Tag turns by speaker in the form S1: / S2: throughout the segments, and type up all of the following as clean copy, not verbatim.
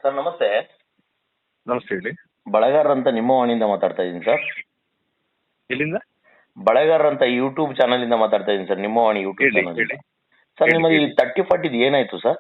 S1: Sir ನಮಸ್ತೆ.
S2: ನಮಸ್ತೆ, ಹೇಳಿ.
S1: ಬಳೆಗಾರ ಅಂತ ನಿಮ್ಮ ವಾಣಿಯಿಂದ ಮಾತಾಡ್ತಾ ಇದ್ದೀನಿ ಸರ್.
S2: ಎಲ್ಲಿಂದ?
S1: ಬಳೆಗಾರ ಅಂತ ಯೂಟ್ಯೂಬ್ ಚಾನಲ್ ಇಂದ ಮಾತಾಡ್ತಾ ಇದ್ದೀನಿ ಸರ್. ನಿಮ್ಮ ವಾಣಿ ಯೂಟ್ಯೂಬ್
S2: ಹೇಳಿ,
S1: ಚಾನಲ್
S2: ಹೇಳಿ.
S1: ಸರ್.
S2: ಹೇಳಿ,
S1: ನಿಮ್ಮದು ಈ
S2: ಹೇಳಿ.
S1: 30-40 ಏನಾಯ್ತು ಸರ್?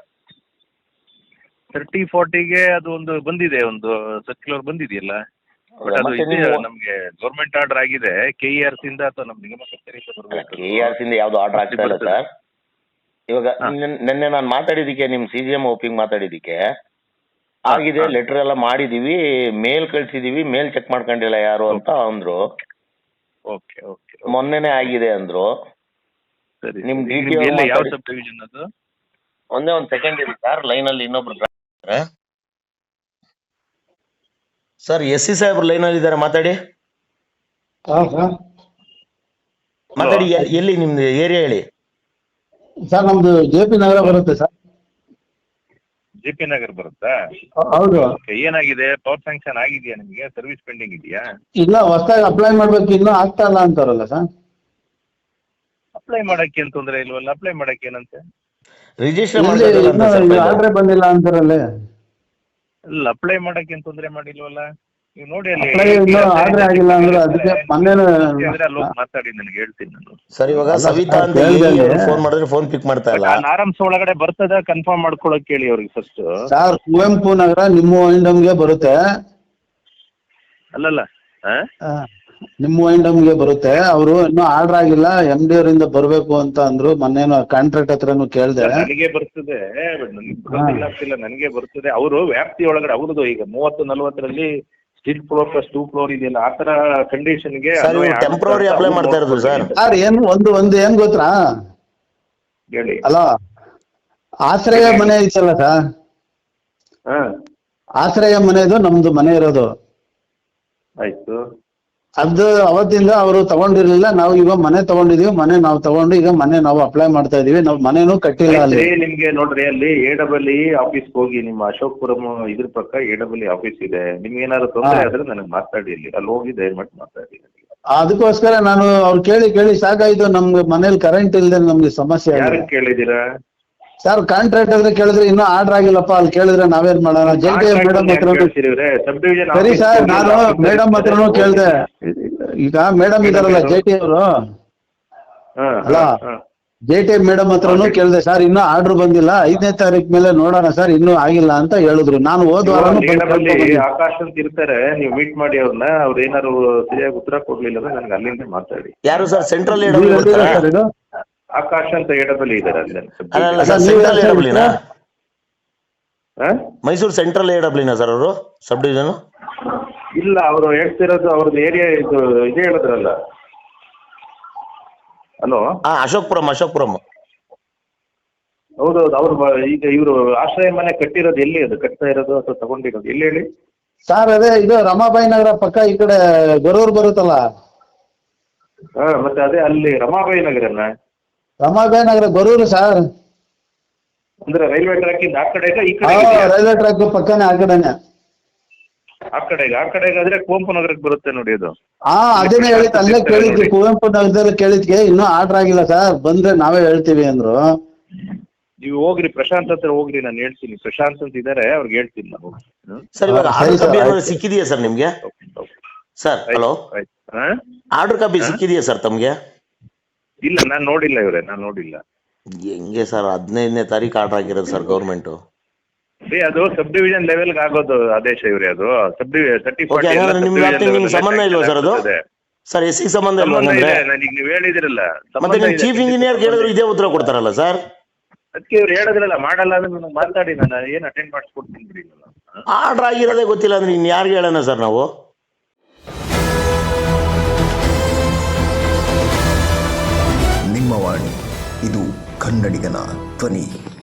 S2: 30-40ಗೆ ಅದು ಒಂದು ಬಂದಿದೆ, ಒಂದು ಸರ್ಕ್ಯುಲರ್ ಬಂದಿದೆಯಲ್ಲ. ಬಟ್ ಅದು
S1: ಮತ್ತೆ
S2: ಇದೆ,
S1: ನೀವು
S2: ನಮ್ಗೆ ಗೌರ್ಮೆಂಟ್ ಆರ್ಡರ್ ಆಗಿದೆ. KERC ಇಂದ ಅಥವಾ ನಮ್ಮ ನಿಗಮ ಕಚೇರಿಯಿಂದ ಬರ್ಬೇಕು.
S1: KERC ಇಂದ ಯಾವ್ದು ಆರ್ಡರ್ ಆಗ್ತಾ ಇಲ್ಲ ಸರ್. ಇವಾಗ ನಿನ್ನೆ ನಾನು ಮಾತಾಡಿದಕ್ಕೆ ನಿಮ್ CGM ಓಪಿಂಗ್ ಮಾತಾಡಿದಕ್ಕೆ ಆಗಿದೆ, ಲೆಟರ್ ಎಲ್ಲ ಮಾಡಿದೀವಿ, ಮೇಲ್ ಕಳ್ಸಿದೀವಿ, ಮೇಲ್ ಚೆಕ್ ಮಾಡ್ಕೊಂಡಿಲ್ಲ ಯಾರು ಅಂತ ಅಂದ್ರು.
S2: ಓಕೆ ಓಕೆ,
S1: ಮೊನ್ನೆನೆ ಆಗಿದೆ ಅಂದ್ರು.
S2: ಸರಿ.
S1: ನಿಮ್
S2: ನಿಮ್ಗೆ ಎಲ್ಲ ಯಾವ ಸಬ್ ಡಿವಿಷನ್ ಅದು?
S1: ಒಂದೇ ಒಂದು ಸೆಕೆಂಡ್ ಇದೆ ಸರ್, ಲೈನ್ ಅಲ್ಲಿ ಇನ್ನೊಬ್ರು ಸರ್. SC ಸಾಹೇಬ್ರು ಲೈನ್ ಅಲ್ಲಿ ಇದ್ದಾರೆ, ಮಾತಾಡಿ. ಮಾತಾಡಿ. ಎಲ್ಲಿ ನಿಮ್ದು ಏರಿಯಾ ಹೇಳಿ
S3: ಸರ್. ನಮ್ದು JP ನಗರ ಬರುತ್ತೆ ಸರ್.
S2: JP ನಗರ್ ಬರುತ್ತಾ?
S3: ಹೌದು.
S2: ಏನಾಗಿದೆ? ಪವರ್ ಸ್ಯಾಂಕ್ಷನ್ ಆಗಿದೆಯಾ ನಿಮಗೆ? ಸರ್ವಿಸ್ ಪೆಂಡಿಂಗ್ ಇದೆಯಾ?
S3: ಇಲ್ಲ, ಹೊಸದಾಗಿ ಅಪ್ಲೈ ಮಾಡ್ಬೇಕು, ಇನ್ನೂ ಆಗ್ತಾ ಇಲ್ಲ ಅಂತಾರಲ್ಲ ಸರ್.
S2: ಅಪ್ಲೈ ಮಾಡಕ್ಕೆ ಏನ್ ತೊಂದರೆ ಇಲ್ವಲ್ಲ? ಅಪ್ಲೈ ಮಾಡಕ್ಕೆ ಏನಂತೆ?
S1: ರಿಜಿಸ್ಟರ್
S3: ಆರ್ಡ್ರೇ ಬಂದಿಲ್ಲ ಅಂತಾರಲ್ಲೇ.
S2: ಇಲ್ಲ, ಅಪ್ಲೈ ಮಾಡಕ್ಕೆ ಏನ್ ತೊಂದರೆ ಮಾಡಿಲ್ವಲ್ಲ? ನೀವು ನೋಡಿ ಅಲ್ಲಿ
S3: ಆರ್ಡ್ರೇ ಆಗಿಲ್ಲ ಅಂದ್ರೆ ಅದಕ್ಕೆ ಮೊನ್ನೆ
S2: ಮಾತಾಡಿ, ನನಗೆ ಹೇಳ್ತೀನಿ ನಾನು.
S1: ಸರ್. ಇವಾಗ ಸವಿತಾ ಅಂತ ಫೋನ್ ಮಾಡಿದ್ರೆ ಫೋನ್ ಪಿಕ್ ಮಾಡ್ತಾ ಇಲ್ಲ.
S2: ಆರಾಮ್ಸ್ ಒಳಗಡೆ ಬರ್ತದ, ಕನ್ಫರ್ಮ್ ಮಾಡ್ಕೊಳಕ್ ಹೇಳಿ ಅವ್ರಿಗೆ ಫಸ್ಟ್.
S3: ಸರ್, ಕುವೆಂಪು ನಗರ ನಿಮ್ಮ ವೈಂಡಮ್ಗೆ ಬರುತ್ತೆ.
S2: ಅಲ್ಲಲ್ಲ,
S3: ನಿಮ್ಮ ವೈಂಡಮ್ಗೆ ಬರುತ್ತೆ. ಅವರು ಇನ್ನೂ ಆರ್ಡರ್ ಆಗಿಲ್ಲ, MD ಅವರಿಂದ ಬರ್ಬೇಕು ಅಂತ ಅಂದ್ರು. ಮೊನ್ನೇನು ಕಾಂಟ್ರಾಕ್ಟ್ ಹತ್ರನು ಕೇಳಿದೆ.
S2: ನನಗೆ ಬರ್ತದೆ, ಆಗ್ತಿಲ್ಲ, ನನಗೆ ಬರ್ತದೆ. ಅವರು ವ್ಯಾಪ್ತಿ ಒಳಗಡೆ ಅವ್ರದ್ದು ಈಗ 30-40ರಲ್ಲಿ ಸ್ಟಿಲ್ ಫ್ಲೋರ್ ಪ್ಲಸ್ 2 ಫ್ಲೋರ್ ಇದೆಯಲ್ಲ, ಆ ತರ ಕಂಡೀಷನ್ಗೆ
S1: ಟೆಂಪ್ರರಿ ಅಪ್ಲೈ ಮಾಡ್ತಾ ಇರೋದು ಸರ್.
S3: ಸರ್, ಏನು ಒಂದು ಏನ್ ಗೊತ್ತಾ
S2: ಹೇಳಿ.
S3: ಅಲ್ಲ, ಆಶ್ರಯ ಮನೆ ಐತಲ್ಲ ಸರ್, ಆಶ್ರಯ ಮನೆದು ನಮ್ದು ಮನೆ ಇರೋದು.
S2: ಆಯ್ತು.
S3: ಅದು ಅವತ್ತಿಂದ ಅವರು ತಗೊಂಡಿರ್ಲಿಲ್ಲ. ನಾವು ಈಗ ಮನೆ ತಗೊಂಡಿದೀವಿ. ಮನೆ ನಾವು ತಗೊಂಡು ಈಗ ಮನೆ ನಾವು ಅಪ್ಲೈ ಮಾಡ್ತಾ ಇದೀವಿ. ನಾವು ಮನೇನು ಕಟ್ಟಿಲ್ಲ. ಅಲ್ಲಿ
S2: ನಿಮ್ಗೆ ನೋಡ್ರಿ, ಅಲ್ಲಿ AEE ಆಫೀಸ್ ಹೋಗಿ, ನಿಮ್ಮ ಅಶೋಕ್ಪುರಂ ಇದ್ರ ಪಕ್ಕ AEE ಆಫೀಸ್ ಇದೆ. ನಿಮ್ಗೆ ಏನಾದ್ರು ತೊಂದರೆ ಆದ್ರೆ ನನಗೆ ಮಾತಾಡಿ, ಅಲ್ಲಿ ಹೋಗಿ ದಯಮಾಡಿ ಮಾತಾಡಿ.
S3: ಅದಕ್ಕೋಸ್ಕರ ನಾನು ಅವ್ರು ಕೇಳಿ ಕೇಳಿ ಸಾಕಾಯ್ತು. ನಮ್ಗೆ ಮನೇಲಿ ಕರೆಂಟ್ ಇಲ್ಲದೆ ನಮ್ಗೆ ಸಮಸ್ಯೆ.
S2: ಯಾರು ಕೇಳಿದೀರಾ
S3: ಸರ್? ಕಾಂಟ್ರಾಕ್ಟ್ ಆದ್ರೆ ಕೇಳಿದ್ರೆ ಇನ್ನೂ ಆರ್ಡರ್ ಆಗಿಲ್ಲಪ್ಪ. ಅಲ್ಲಿ ಕೇಳಿದ್ರೆ ನಾವೇನ್ ಮಾಡೋಣ? JT ಮೇಡಮ್ ಹತ್ರ. ಸರಿ ಸರ್, ನಾನು ಮೇಡಮ್ ಹತ್ರನೂ ಕೇಳಿದೆ. ಈಗ ಮೇಡಮ್ ಇದಾರಲ್ಲ JT ಅವರು, ಅಲ್ಲ JT ಮೇಡಮ್ ಹತ್ರನೂ ಕೇಳಿದೆ. ಸರ್, ಇನ್ನೂ ಆರ್ಡರ್ ಬಂದಿಲ್ಲ, 5ನೇ ತಾರೀಕು ಮೇಲೆ ನೋಡೋಣ ಸರ್, ಇನ್ನೂ ಆಗಿಲ್ಲ ಅಂತ ಹೇಳಿದ್ರು. ನಾನು ಹೋದ್ವಾರ
S2: ಆಕಾಶ್ ಅಂತ ಇರ್ತಾರೆ, ನೀವು ಮೀಟ್ ಮಾಡಿ ಅವ್ರನ್ನ. ಅವ್ರು ಏನಾದ್ರು ಸರಿಯಾಗಿ ಉತ್ತರ ಕೊಡ್ಲಿಲ್ಲ ಅಂದ್ರೆ ನನಗೆ ಅಲ್ಲಿಂದ ಮಾತಾಡಿ.
S1: ಯಾರು ಸರ್? ಸೆಂಟ್ರಲ್
S2: ಆಕಾಶ್ ಅಂತ AEE ಇದಾರೆ ಅಲ್ಲಿ.
S1: ಮೈಸೂರು ಸೆಂಟ್ರಲ್ AEE ಸರ್ ಅವರು ಸಬ್ ಡಿವಿಷನ್?
S2: ಇಲ್ಲ, ಅವರು ಹೇಳ್ತಿರೋದು ಅವ್ರದ್ದು ಏರಿಯಾ ಇದು ಇದೇ ಹೇಳಿದ್ರಲ್ಲ. ಹಲೋ,
S1: ಅಶೋಕ್ಪುರಂ.
S2: ಹೌದೌದು. ಅವ್ರು ಈಗ ಇವರು ಆಶ್ರಯ ಮನೆ ಕಟ್ಟಿರೋದು ಎಲ್ಲಿ? ಅದು ಕಟ್ತಾ ಇರೋದು ಅಥವಾ ತಗೊಂಡಿರೋದು ಎಲ್ಲಿ ಹೇಳಿ
S3: ಸರ್? ಅದೇ ಇದು ರಮಾಬಾಯಿ ನಗರ ಪಕ್ಕ, ಈ ಕಡೆ ಗೊರೂರು ಬರುತ್ತಲ್ಲ.
S2: ಮತ್ತೆ ಅದೇ ಅಲ್ಲಿ ರಮಾಬಾಯಿ ನಗರನ?
S3: ರಮಾಬಾಯಿ ನಗರ ಗೊರೂರು ಸರ್.
S2: ಅಂದ್ರೆ ರೈಲ್ವೆ ಟ್ರ್ಯಾಕ್ ಇಂದ ಆ ಕಡೆಗ ಈ ಕಡೆ?
S3: ರೈಲ್ವೆ ಟ್ರ್ಯಾಕ್ ಪಕ್ಕನೇ, ಆ ಕಡೆನೆ.
S2: ಆ ಕಡೆಗೆ ಆದ್ರೆ ಕುವೆಂಪು ನಗರಕ್ಕೆ ಬರುತ್ತೆ ನೋಡಿ ಅದು.
S3: ಅದನ್ನೇ ಹೇಳಿದ್, ಅಲ್ಲೇ ಕೇಳಿದ್ವಿ, ಕುವೆಂಪು ನಗರದಲ್ಲಿ ಕೇಳಿದ್ಕೆ ಇನ್ನೂ ಆರ್ಡರ್ ಆಗಿಲ್ಲ ಸರ್, ಬಂದ್ರೆ ನಾವೇ ಹೇಳ್ತೀವಿ ಅಂದ್ರು.
S2: ನೀವು ಹೋಗ್ರಿ, ಪ್ರಶಾಂತ್ ಹತ್ರ ಹೋಗ್ರಿ, ನಾನು ಹೇಳ್ತೀನಿ. ಪ್ರಶಾಂತ್ ಅಂತ ಇದಾರೆ, ಅವ್ರಿಗೆ ಹೇಳ್ತೀನಿ ನಾವು.
S1: ಸರ್, ಇವಾಗ ಆರ್ಡರ್ ಕಾಪಿ ಸಿಕ್ಕಿದೆಯಾ ಸರ್ ನಿಮ್ಗೆ? ಸರ್, ಹಲೋ, ಆರ್ಡರ್ ಕಾಪಿ ಸಿಕ್ಕಿದೆಯಾ ಸರ್ ತಮ್ಗೆ?
S2: ಇಲ್ಲ, ನಾನು ನೋಡಿಲ್ಲ ಇವ್ರೆ, ನಾನು ನೋಡಿಲ್ಲ.
S1: ಹೆಂಗೆ ಸರ್? 15ನೇ ತಾರೀಕು ಆರ್ಡರ್ ಆಗಿರೋದು ಸರ್ ಗೌರ್ಮೆಂಟ್.
S2: ಅದು ಸಬ್ ಡಿವಿಷನ್ ಲೆವೆಲ್ ಆಗೋದು ಆದೇಶ ಇವ್ರೆ. ಅದು
S1: ನಿಮ್ಗೆ ಸಂಬಂಧ ಇಲ್ವಾ ಸರ್? ಅದು ಸರ್ SC ಸಂಬಂಧ ಇಲ್ವಾ?
S2: ನನಗೆ ನೀವು ಹೇಳಿದಿರಲ್ಲ,
S1: ಮತ್ತೆ ನಿಮ್ ಚೀಫ್ ಇಂಜಿನಿಯರ್ ಕೇಳಿದ್ರು ಇದೇ ಉತ್ತರ ಕೊಡ್ತಾರಲ್ಲ ಸರ್.
S2: ಅದಕ್ಕೆ ಇವ್ರು ಹೇಳಿದ್ರಲ್ಲ, ಮಾಡಲ್ಲ ಅಂದ್ರೆ ನನಗೆ ಮಾತಾಡಿ, ನಾನು ಏನು ಅಟೆಂಡ್ ಮಾಡಿಸ್ಕೊಡ್ತೀನಿ ಬಿಡಿ.
S1: ಆರ್ಡರ್ ಆಗಿರೋದೇ ಗೊತ್ತಿಲ್ಲ ಅಂದ್ರೆ ಇನ್ ಯಾರಿಗೆ ಹೇಳೋಣ ಸರ್ ನಾವು?
S4: ನಿಮ್ಮ ವಾಣಿ, ಇದು ಕನ್ನಡಿಗನ ಧ್ವನಿ.